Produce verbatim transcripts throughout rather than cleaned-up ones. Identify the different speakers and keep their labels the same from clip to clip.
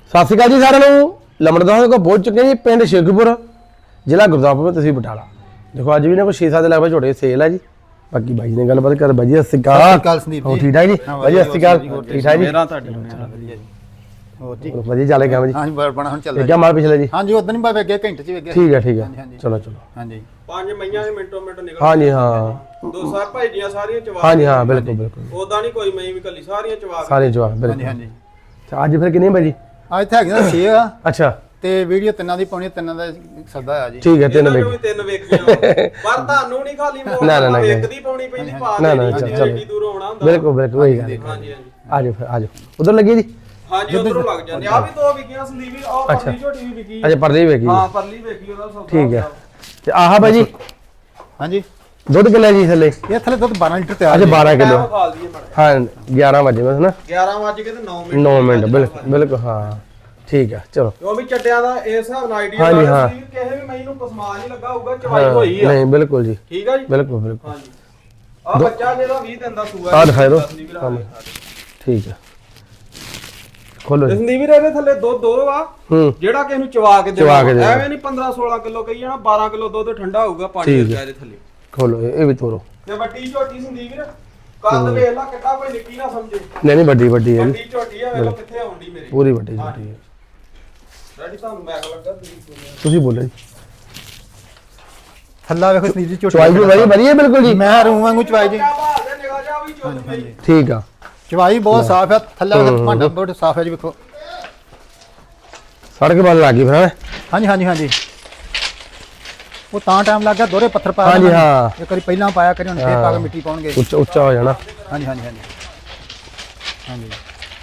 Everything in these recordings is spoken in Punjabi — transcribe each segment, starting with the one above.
Speaker 1: ਸਤਿ ਸ਼੍ਰੀ ਅਕਾਲ ਜੀ ਸਾਰਿਆਂ ਨੂੰ। ਲੰਬੜਦਾਰ ਕੋਲ ਪਹੁੰਚ ਚੁੱਕੇ ਜੀ ਪਿੰਡ ਸ਼ੇਖੂਪੁਰ ਜ਼ਿਲ੍ਹਾ ਗੁਰਦਾਸਪੁਰ ਤਹਿਸੀਲ ਬਟਾਲਾ। ਦੇਖੋ ਅੱਜ ਵੀ ਨਾ ਕੋਈ ਛੇ ਸੱਤ ਲੱਖ ਝੋਟੇ ਸੇਲ ਹੈ ਜੀ। ਬਾਕੀ ਬਾਈ ਨੇ ਗੱਲਬਾਤ ਕਰ ਬਾਈ ਸਤਿ ਸ਼੍ਰੀ ਅਕਾਲ ਸੰਦੀਪ ਜੀ। ਠੀਕ ਠਾਕ ਜੀ ਬਾਈ ਸਤਿ ਸ਼੍ਰੀ ਅਕਾਲ। ਠੀਕ ਠਾਕ ਜੀ
Speaker 2: ਮੇਰਾ ਤੁਹਾਡੀ ਵਧੀਆ ਜੀ। ਹੋਰ ਜੀ
Speaker 1: ਵਧੀਆ ਚੱਲੇ ਕੰਮ ਜੀ।
Speaker 2: ਹਾਂਜੀ ਬਣਾ ਹੁਣ ਚੱਲਦਾ
Speaker 1: ਕਿਆ ਮਾਲ ਪਿਛਲੇ ਜੀ।
Speaker 2: ਹਾਂਜੀ ਉਦੋਂ ਨਹੀਂ ਬਾਵੇ ਅੱਗੇ ਘੰਟੇ ਚ ਵੇਗਿਆ।
Speaker 1: ਠੀਕ ਹੈ ਠੀਕ ਹੈ ਚਲੋ ਚਲੋ।
Speaker 2: ਹਾਂਜੀ
Speaker 3: ਪੰਜ ਮਈਆਂ ਦੇ ਮਿੰਟੋ ਮਿੰਟ ਨਿਕਲ।
Speaker 1: ਹਾਂਜੀ ਹਾਂ
Speaker 3: ਦੋ ਸਾਰ ਭਾਈ ਦੀਆਂ ਸਾਰੀਆਂ ਚਵਾ।
Speaker 1: ਹਾਂਜੀ ਹਾਂ ਬਿਲਕੁਲ ਬਿਲਕੁਲ।
Speaker 3: ਉਦਾਂ ਨਹੀਂ ਕੋਈ ਮਈ ਵੀ ਕੱਲੀ ਸਾਰੀਆਂ ਚਵਾ।
Speaker 1: ਸਾਰੇ ਜਵਾਬ ਬਿਲਕੁਲ।
Speaker 2: ਹਾਂਜੀ
Speaker 1: ਅੱਜ ਫਿਰ ਕਿੰਨੇ ਬਾਈ ਜੀ?
Speaker 2: ਅੱਜ ਤੇ ਹੈਗੇ ਛੇ ਆ।
Speaker 1: ਅੱਛਾ
Speaker 2: ਤੇ ਵੀਡੀਓ ਤਿੰਨਾਂ ਦੀ ਪਾਉਣੀ, ਤਿੰਨਾਂ ਦਾ ਸੱਦਾ ਆ ਜੀ।
Speaker 1: ਠੀਕ ਹੈ ਤਿੰਨ
Speaker 3: ਵੀ
Speaker 1: ਵੇਖ
Speaker 3: ਤਿੰਨ ਵੇਖੀਆਂ ਪਰ ਤੁਹਾਨੂੰ ਨਹੀਂ ਖਾਲੀ ਮੋੜ
Speaker 1: ਨਾ, ਨਾ, ਨਾ,
Speaker 3: ਇੱਕ ਦੀ ਪਾਉਣੀ ਪੈਂਦੀ ਪਾ
Speaker 1: ਨਾ, ਨਾ,
Speaker 3: ਦੇਣੀ
Speaker 1: ਚਲੋ।
Speaker 3: ਏਡੀ ਦੂਰੋਂ ਆਉਣਾ ਹੁੰਦਾ।
Speaker 1: ਬਿਲਕੁਲ ਬਿਲਕੁਲ ਉਹੀ ਗੱਲ।
Speaker 3: ਹਾਂਜੀ ਹਾਂਜੀ
Speaker 1: ਆਜੋ ਫਿਰ ਆਜੋ ਉਧਰ ਲੱਗੀ ਜੀ।
Speaker 3: ਹਾਂਜੀ ਉਧਰੋਂ ਲੱਗ ਜਾਂਦੇ ਆ। ਵੀ ਦੋ ਵਿਕੀਆਂ ਸੰਦੀਪ ਵੀ ਆਹ ਪਰਲੀ ਝੋਟੀ ਵੀ ਵਿਕੀ।
Speaker 1: ਅੱਛਾ ਪਰਲੀ ਵੇਖੀ
Speaker 3: ਹਾਂ ਪਰਲੀ ਵੇਖੀ ਉਹਦਾ ਸੌਦਾ।
Speaker 1: ਠੀਕ ਹੈ ਤੇ ਆਹ ਬਾਈ ਜੀ
Speaker 2: ਹਾਂਜੀ
Speaker 1: ਦੁੱਧ ਕਿੰਨਾ ਜੀ ਥੱਲੇ?
Speaker 2: ਇਹ ਥੱਲੇ ਦੁੱਧ ਬਾਰਾਂ ਲੀਟਰ ਤਿਆਰ
Speaker 1: ਅੱਛਾ ਬਾਰਾਂ ਕਿਲੋ।
Speaker 3: ਖਾਲ ਦਈਏ ਮਾੜਾ।
Speaker 1: ਹਾਂ ਗਿਆਰਾਂ ਵਜੇ ਬਸ ਨਾ।
Speaker 3: ਗਿਆਰਾਂ ਵਜ ਕੇ ਤੇ ਨੌ ਮਿੰਟ।
Speaker 1: ਨੌ ਮਿੰਟ ਬਿਲਕੁਲ ਬਿਲਕੁਲ ਹਾਂ ਠੀਕ ਹੈ ਚਲੋ।
Speaker 3: ਉਹ ਵੀ ਚੱਡਿਆਂ ਦਾ ਇਸ ਹਿਸਾਬ ਨਾਲ ਆਈਡੀਆ
Speaker 1: ਹਾਂਜੀ, ਹਾਂ।
Speaker 3: ਕਿਸੇ ਵੀ ਮੈਨੂੰ ਪਸਮਾ ਨਹੀਂ ਲੱਗਾ ਹੋਊਗਾ ਚਵਾਈ ਹੋਈ ਆ।
Speaker 1: ਨਹੀਂ ਬਿਲਕੁਲ ਜੀ
Speaker 3: ਠੀਕ ਆ ਜੀ।
Speaker 1: ਬਿਲਕੁਲ ਬਿਲਕੁਲ।
Speaker 3: ਹਾਂਜੀ ਆ ਬੱਚਾ ਜਿਹੜਾ ਵੀਹ ਦਿਨ ਦਾ ਸੂਆ
Speaker 1: ਆਹ ਦਿਖਾਈ ਦਿਓ। ਠੀਕ ਹੈ ਖੋਲੋ ਜੀ।
Speaker 3: ਸੰਦੀਪ ਵੀਰ ਇਹਦੇ ਥੱਲੇ ਦੁੱਧ ਦੋ ਆ
Speaker 1: ਹੂੰ
Speaker 3: ਜਿਹੜਾ ਕਿਸੇ ਨੂੰ ਚਵਾ ਕੇ
Speaker 1: ਚਵਾ ਕੇ
Speaker 3: ਦੇਣਾ।
Speaker 1: ਦੇਣਾ।
Speaker 3: ਐਵੇਂ ਨਹੀਂ ਪੰਦਰਾਂ ਸੋਲਾਂ ਕਿਲੋ ਕਹੀ ਜਾਣਾ। ਬਾਰਾਂ ਕਿਲੋ ਦੁੱਧ ਠੰਡਾ ਹੋਊਗਾ ਪਾਣੀ
Speaker 1: ਠੀਕ
Speaker 3: ਵਰਗਾ
Speaker 1: ਹੈ।
Speaker 3: ਇਹਦੇ ਥੱਲੇ।
Speaker 1: ਖੋਲੋ ਇਹ ਇਹ ਵੀ ਤੋਰੋ।
Speaker 3: ਤੇ ਵੱਡੀ ਝੋਟੀ ਸੰਦੀਪ ਵੀਰ ਕੱਦ ਵੇਖ ਲਾ ਕਿੱਡਾ ਕੋਈ ਨਿੱਕੀ ਨਾ ਸਮਝੇ।
Speaker 1: ਨਹੀਂ ਨਹੀਂ ਵੱਡੀ ਵੱਡੀ ਹੈ ਜੀ
Speaker 3: ਵੱਡੀ ਝੋਟੀ ਆ ਵੇਖੋ ਕਿੱਥੇ ਆਉਂਦੀ ਮੇਰੀ।
Speaker 1: ਪੂਰੀ ਵੱਡੀ ਛੋਟੀ ਹੈ।
Speaker 3: ਰੈਡੀ ਤੁਹਾਨੂੰ ਮੈਕ ਲੱਗਾ ਤੁਸੀਂ
Speaker 1: ਤੁਸੀਂ ਬੋਲੋ ਜੀ।
Speaker 2: ਥੱਲਾ ਵੇਖੋ ਸੰਦੀਪ ਜੀ ਝੋਟੀ
Speaker 1: ਚਵਾਈ ਵੀ ਵਧੀਆ ਵਧੀਆ ਬਿਲਕੁਲ ਜੀ।
Speaker 2: ਮੈਂ ਰੂੰ ਵਾਂਗੂ ਚਵਾਈ ਜੀ।
Speaker 3: ਨਿਗਾਹ ਜਾ ਵੀ ਝੋਟੀ ਮੇਰੀ।
Speaker 1: ਠੀਕ ਆ
Speaker 2: ਚਵਾਈ ਬਹੁਤ ਸਾਫ਼ ਹੈ। ਥੱਲਾ ਵੇਖੋ ਭਾਂਡਾ ਬਹੁਤ ਸਾਫ਼ ਹੈ ਜੀ। ਵੇਖੋ
Speaker 1: ਸੜਕ ਵੱਲ ਲੱਗ ਗਈ ਫਿਰ ਹੈਂ?
Speaker 2: ਹਾਂਜੀ ਹਾਂਜੀ ਹਾਂਜੀ ਉਹ ਤਾਂ ਟਾਈਮ ਲੱਗ ਗਿਆ ਦੋਹਰੇ ਪੱਥਰ ਪਾਇਆ
Speaker 1: ਹਾਂਜੀ ਹਾਂ
Speaker 2: ਇੱਕ ਵਾਰੀ ਪਹਿਲਾਂ ਪਾਇਆ ਕਰੀ ਹੁਣ ਫੇਰ ਪਾ ਕੇ ਮਿੱਟੀ ਪਾਉਣਗੇ।
Speaker 1: ਉੱਚਾ ਉੱਚਾ ਹੋ ਜਾਣਾ।
Speaker 2: ਹਾਂਜੀ ਹਾਂਜੀ ਹਾਂਜੀ ਹਾਂਜੀ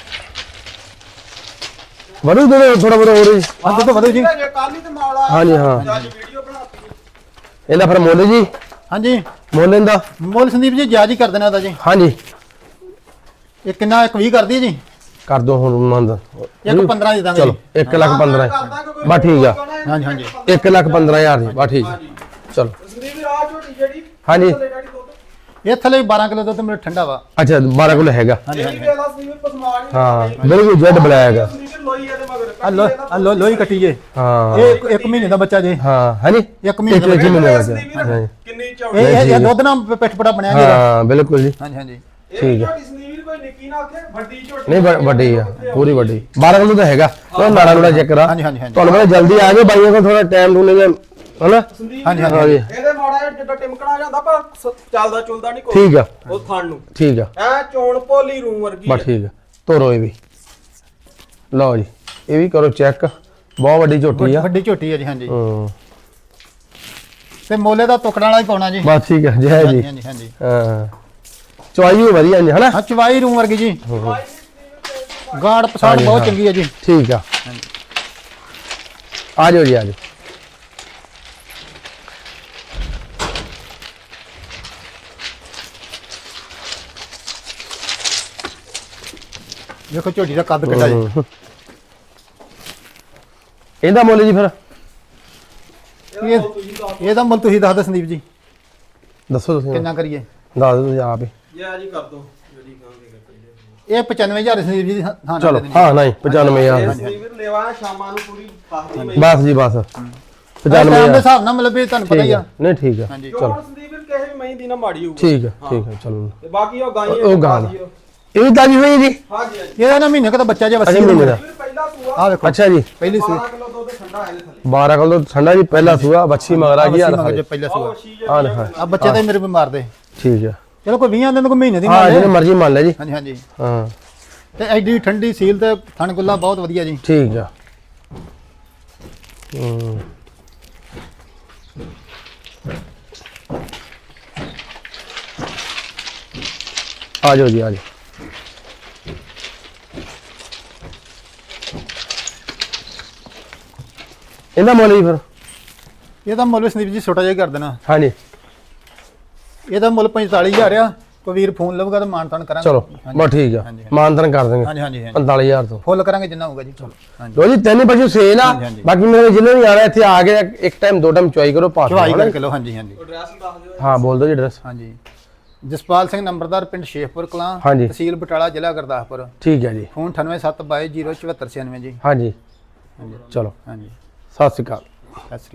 Speaker 1: ਵਧੂ ਦੇ ਥੋੜਾ ਬਹੁਤਾ ਹੋਰ ਜੀ।
Speaker 2: ਹਾਂ ਦੁੱਧ ਵਧੂ ਜੀ।
Speaker 3: ਕੱਲ ਹੀ ਤੇ ਮਾਲ ਆਇਆ।
Speaker 1: ਹਾਂਜੀ ਹਾਂ
Speaker 3: ਅੱਜ ਵੀਡੀਓ ਬਣਾਤੀ।
Speaker 1: ਇਹਦਾ ਫਿਰ ਮੁੱਲ ਜੀ
Speaker 2: ਹਾਂਜੀ
Speaker 1: ਮੁੱਲ ਇਹਦਾ
Speaker 2: ਮੁੱਲ ਸੰਦੀਪ ਜੀ ਜਾਇਜ਼ ਹੀ ਕਰ ਦੇਣਾ ਉਹਦਾ ਜੀ।
Speaker 1: ਹਾਂਜੀ
Speaker 2: ਇਹ ਕਿੰਨਾ ਇੱਕ ਵੀਹ ਕਰਦੀ ਜੀ।
Speaker 1: ਕਰ ਦੋ ਹੁਣ ਮੰਦ
Speaker 2: ਇੱਕ ਪੰਦਰਾਂ ਦੇ ਦਾਂਗੇ
Speaker 1: ਚਲੋ
Speaker 2: ਜੀ।
Speaker 1: ਇੱਕ ਲੱਖ ਪੰਦਰਾਂ ਬਸ ਠੀਕ ਆ।
Speaker 2: ਹਾਂਜੀ ਹਾਂਜੀ
Speaker 1: ਇੱਕ ਲੱਖ ਪੰਦਰਾਂ ਹਜ਼ਾਰ ਦੀ ਬਸ ਠੀਕ ਆ। ਚਲੋ
Speaker 3: ਸੰਦੀਪ ਵੀਰ ਆ ਝੋਟੀ ਜਿਹੜੀ
Speaker 1: ਹਾਂਜੀ
Speaker 3: ਥੱਲੇ ਡੈਡੀ ਦੁੱਧ
Speaker 2: ਇਹ ਥੱਲੇ ਬਾਰਾਂ ਕਿਲੋ ਦੁੱਧ ਮੇਰੇ ਠੰਡਾ ਵਾ।
Speaker 1: ਅੱਛਾ ਬਾਰਾਂ ਕਿਲੋ ਹੈਗਾ।
Speaker 2: ਹਾਂਜੀ
Speaker 3: ਇਹ
Speaker 2: ਹਾਂਜੀ
Speaker 3: ਵੀ ਵੇਲਾ ਸੰਦੀਪ ਵੀਰ ਪਸਮਾ ਨਹੀਂ।
Speaker 1: ਹਾਂ ਬਿਲਕੁਲ ਜੈਡ ਬਲੈਕ ਹੈਗਾ।
Speaker 3: ਸੰਦੀਪ ਵੀਰ ਲੋਈ ਇਹਦੇ ਮਗਰ
Speaker 2: ਆ ਲੋ ਆ ਲੋ ਲੋਈ ਕੱਟੀ ਜੇ।
Speaker 1: ਹਾਂ
Speaker 2: ਇਹ ਇੱਕ- ਇੱਕ ਮਹੀਨੇ ਦਾ ਬੱਚਾ ਜੇ।
Speaker 1: ਹਾਂ ਹਾਂਜੀ
Speaker 2: ਇੱਕ ਮਹੀਨੇ ਦਾ
Speaker 1: ਇੱਕ
Speaker 2: ਬੱਚਾ।
Speaker 1: ਮਹੀਨੇ ਦਾ
Speaker 3: ਸੰਦੀਪ ਵੀਰ
Speaker 1: ਹਾਂਜੀ
Speaker 3: ਕਿੰਨੀ ਚੌੜੀ
Speaker 2: ਇਹ ਇਹ- ਇਹ ਦੁੱਧ ਨਾਲ ਪਿੱਠ ਪਟਾ ਬਣਿਆ ਜੀ।
Speaker 1: ਹਾਂ ਬਿਲਕੁਲ ਜੀ
Speaker 2: ਹਾਂਜੀ ਹਾਂਜੀ
Speaker 3: ਇਹ ਝੋਟੀ ਸੰਦੀਪ ਵੀਰ ਕੋਈ ਨਿੱਕੀ ਨਾ ਆਖੇ ਵੱਡੀ ਝੋਟੀ।
Speaker 1: ਨਹੀਂ ਵ- ਵੱਡੀ ਆ ਪੂਰੀ ਵੱਡੀ ਬਾਰਾਂ ਕਿਲੋ ਤਾਂ ਹੈਗਾ। ਉਹ ਨਾੜਾ ਨੂੜਾ ਚੈੱਕ ਕਰਾ
Speaker 2: ਹਾਂਜੀ ਹਾਂਜੀ ਹਾਂਜੀ
Speaker 1: ਤੁਹਾਨੂੰ ਪਤਾ ਜਲਦੀ ਆ ਜਾਓ ਬਾਈਆਂ ਕੋਲ ਥੋੜਾ ਟਾਈਮ ਟੂਨੇ ਜਿਹਾ ਹਨਾ।
Speaker 3: ਸੰਦੀਪ
Speaker 2: ਹਾਂਜੀ,
Speaker 3: ਵੀਰ,
Speaker 1: ਹਾਂਜੀ
Speaker 3: ਇਹਦੇ ਮਾੜਾ ਜਿਹਾ ਜਿੱਦਾਂ ਟਿਮਕਣਾ ਜਾਂਦਾ ਪਰ ਸ- ਚੱਲਦਾ ਚੁਲਦਾ ਨਹੀਂ ਕੋਈ।
Speaker 1: ਠੀਕ ਆ
Speaker 3: ਉਹ ਥਣ ਨੂੰ
Speaker 1: ਠੀਕ ਆ
Speaker 3: ਐ ਚੋਣ ਭੋਲੀ ਰੂਮ ਵਰਗੀ
Speaker 1: ਬਸ ਠੀਕ ਆ ਤੋਰੋ ਇਹ ਵੀ ਲਓ ਜੀ ਇਹ ਵੀ ਕਰੋ ਚੈੱਕ ਬਹੁਤ ਵੱਡੀ ਝੋਟੀ ਆ।
Speaker 2: ਵੱਡੀ ਝੋਟੀ ਹੈ ਜੀ। ਹਾਂਜੀ
Speaker 1: ਹੂੰ
Speaker 2: ਤੇ ਮੋਲੇ ਦਾ ਟੁਕੜਾ ਵਾਲਾ ਹੀ ਪਾਉਣਾ ਜੀ।
Speaker 1: ਬਸ ਠੀਕ ਆ ਜੈ ਜੀ।
Speaker 2: ਹਾਂਜੀ ਹਾਂਜੀ
Speaker 1: ਹਾਂ ਚੁਆਈ ਵੀ ਵਧੀਆ ਜੀ ਹਨਾ।
Speaker 2: ਹਾਂ ਚਵਾਈ ਰੂਮ ਵਰਗੀ ਜੀ। ਗਾੜ ਪਸਾੜ ਬਹੁਤ ਚੰਗੀ ਹੈ ਜੀ।
Speaker 1: ਠੀਕ ਆ ਆ ਜਾਓ ਜੀ ਆ ਜਾਓ।
Speaker 2: ਦੇਖੋ ਝੋਟੀ ਦਾ ਕੱਦ ਕਿੱਡਾ ਜੀ।
Speaker 1: ਹੂੰ। ਇਹਦਾ ਮੁੱਲ ਜੀ ਫਿਰ
Speaker 2: ਇਹ ਇਹਦਾ ਮੁੱਲ ਤੁਸੀਂ ਦੱਸ ਦਿਓ ਸੰਦੀਪ ਜੀ
Speaker 1: ਦੱਸੋ ਤੁਸੀਂ
Speaker 2: ਕਿੰਨਾ ਕਰੀਏ।
Speaker 1: ਦੱਸ ਦਿਓ ਤੁਸੀਂ ਆਪ ਹੀ।
Speaker 3: ਯਾ ਜੀ ਕਰ ਦੋ ਜਿਹੜੀ ਕਹਾਂਗੇ
Speaker 2: ਇਹ ਪਚਾਨਵੇਂ ਹਜ਼ਾਰ ਸੰਦੀਪ ਜੀ ਦੀ ਹਾਂ ਹਾਂ
Speaker 1: ਚਲੋ
Speaker 2: ਦੇ ਦੇਣੀ।
Speaker 1: ਹਾਂ ਨਹੀਂ ਪਚਾਨਵੇਂ ਹਜ਼ਾਰ
Speaker 3: ਸੰਦੀਪ ਵੀਰ ਲੈਵਾ ਸ਼ਾਮਾਂ ਨੂੰ ਪੂਰੀ ਫਸਦੀ ਮੈਂ
Speaker 1: ਬਸ ਜੀ ਬਸ ਪਚਾਨਵੇਂ
Speaker 2: ਟਾਈਮ ਦੇ
Speaker 1: ਹਜ਼ਾਰ
Speaker 2: ਹਿਸਾਬ ਨਾਲ ਮਤਲਬ ਵੀ ਤੁਹਾਨੂੰ ਪਤਾ ਹੀ
Speaker 1: ਠੀਕ
Speaker 2: ਆ।
Speaker 1: ਆ ਨਹੀਂ ਠੀਕ ਆ
Speaker 2: ਹਾਂਜੀ
Speaker 3: ਚਲੋ ਸੰਦੀਪ ਵੀਰ ਕਿਸੇ ਵੀ ਮਹੀਂ ਦੀ ਨਾ ਮਾੜੀ ਹੋਊਗੀ।
Speaker 1: ਠੀਕ ਆ ਠੀਕ ਆ ਚਲੋ
Speaker 3: ਤੇ ਬਾਕੀ ਉਹ ਗਾਈਆਂ
Speaker 1: ਉਹ ਗਾਂ ਦਾ। ਇਹ ਵੀ ਤਾਜੀ ਹੋਈ ਜੀ।
Speaker 3: ਹਾਂਜੀ ਹਾਂਜੀ
Speaker 2: ਇਹਦਾ ਨਾ ਮਹੀਨੇ ਕਦਾ ਬੱਚਾ ਜੇ
Speaker 1: ਅਜੇ
Speaker 2: ਵਸੀ
Speaker 1: ਮਹੀਨੇ ਦਾ
Speaker 3: ਵੀਰ ਪਹਿਲਾ ਸੂਆ
Speaker 2: ਆ ਵੇਖੋ
Speaker 1: ਅੱਛਾ ਜੀ
Speaker 2: ਪਹਿਲੀ ਸੂਈ
Speaker 3: ਬਾਰਾਂ ਕਿਲੋ ਦੁੱਧ ਠੰਡਾ ਹੈ ਇਹਦੇ ਥੱਲੇ।
Speaker 1: ਬਾਰਾਂ ਕਿਲੋ ਠੰਡਾ ਜੀ ਪਹਿਲਾ ਸੂਆ ਬੱਚੀ ਮਗਰ ਆ ਗਈ ਯਾਰ
Speaker 2: ਮਗਰ ਜੇ ਪਹਿਲਾ
Speaker 3: ਆਹ
Speaker 2: ਸੂਆ
Speaker 3: ਵਸ਼ੀ
Speaker 1: ਹਾਂ
Speaker 3: ਜਿਹੜੀ
Speaker 1: ਹਾਂ
Speaker 2: ਆ ਬੱਚੇ ਤਾਂ ਮੇਰੇ ਬਿਮਾਰ ਦੇ।
Speaker 1: ਠੀਕ ਆ
Speaker 2: ਚਲੋ ਕੋਈ ਵੀਹ ਦਿਨ ਕੋਈ ਮਹੀਨੇ ਦੀ
Speaker 1: ਹਾਂ
Speaker 2: ਮੰਨ
Speaker 1: ਜਿਹਨੇ
Speaker 2: ਲੈ।
Speaker 1: ਮਰਜ਼ੀ ਮੰਨ ਲੈ ਜੀ
Speaker 2: ਹਾਂਜੀ ਹਾਂਜੀ
Speaker 1: ਹਾਂ
Speaker 2: ਤੇ ਐਡੀ ਠੰਡੀ ਸੀਲ ਤੇ ਥਣ ਗੁੱਲਾ ਬਹੁਤ ਵਧੀਆ ਜੀ।
Speaker 1: ਠੀਕ ਆ ਹੂੰ ਆ ਜਾਓ ਜੀ ਆ ਜਾਓ। ਇਹਦਾ ਮੁੱਲ ਜੀ ਫਿਰ
Speaker 2: ਇਹਦਾ ਮੁੱਲ ਸੰਦੀਪ ਜੀ ਛੋਟਾ ਜਿਹਾ ਹੀ ਕਰ ਦੇਣਾ।
Speaker 1: ਹਾਂਜੀ
Speaker 2: ਇਹਦਾ ਮੁੱਲ ਪੰਤਾਲੀ ਹਜ਼ਾਰ ਆ। ਕੋਈ ਵੀਰ ਫੋਨ ਲਊਗਾ ਤਾਂ ਮਾਨ ਤਾਨ ਕਰਾਂਗੇ।
Speaker 1: ਚਲੋ ਬਸ ਠੀਕ ਆ
Speaker 2: ਹਾਂਜੀ,
Speaker 1: ਮਾਨਤਨ ਕਰ ਦੇਂਗੇ
Speaker 2: ਹਾਂਜੀ ਹਾਂਜੀ ਹਾਂਜੀ
Speaker 1: ਪੰਤਾਲੀ ਹਜ਼ਾਰ ਤੋਂ।
Speaker 2: ਫੁੱਲ ਕਰਾਂਗੇ ਜਿੰਨਾ ਹੋਊਗਾ ਜੀ। ਚਲੋ ਹਾਂਜੀ
Speaker 1: ਲੋ ਜੀ ਤਿੰਨ ਪਸ਼ੂ ਸੇਲ ਆ।
Speaker 2: ਹਾਂਜੀ, ਹਾਂਜੀ।
Speaker 1: ਬਾਕੀ ਮੇਰੇ ਜ਼ਿਲ੍ਹੇ ਨੂੰ ਆਣਾ ਇੱਥੇ ਆ ਕੇ ਇੱਕ ਟਾਈਮ ਦੋ ਟਾਈਮ ਚੁਆਈ ਕਰੋ ਪਾਸ
Speaker 2: ਚਵਾਈ ਕਰ ਕਿਲੋ। ਹਾਂਜੀ ਹਾਂਜੀ
Speaker 3: ਐਡਰੈਸ ਦੱਸ ਦਿਓ।
Speaker 1: ਹਾਂ ਬੋਲ ਦਿਓ ਜੀ ਐਡਰੈਸ।
Speaker 2: ਹਾਂਜੀ ਜਸਪਾਲ ਸਿੰਘ ਨੰਬਰਦਾਰ ਪਿੰਡ ਸ਼ੇਖਪੁਰ ਕਲਾਂ
Speaker 1: ਹਾਂਜੀ।
Speaker 2: ਤਹਿਸੀਲ ਬਟਾਲਾ ਜ਼ਿਲ੍ਹਾ ਗੁਰਦਾਸਪੁਰ।
Speaker 1: ਠੀਕ ਹੈ ਜੀ।
Speaker 2: ਫੋਨ ਅਠਾਨਵੇਂ ਸੱਤ ਬਾਈ ਜ਼ੀਰੋ ਚੁਹੱਤਰ ਛਿਆਨਵੇਂ ਜੀ।
Speaker 1: ਹਾਂਜੀ ਚਲੋ
Speaker 2: ਹਾਂਜੀ
Speaker 1: ਸਤਿ ਸ਼੍ਰੀ ਅਕਾਲ।
Speaker 2: ਸਤਿ ਸ਼੍ਰੀ ਅਕਾਲ।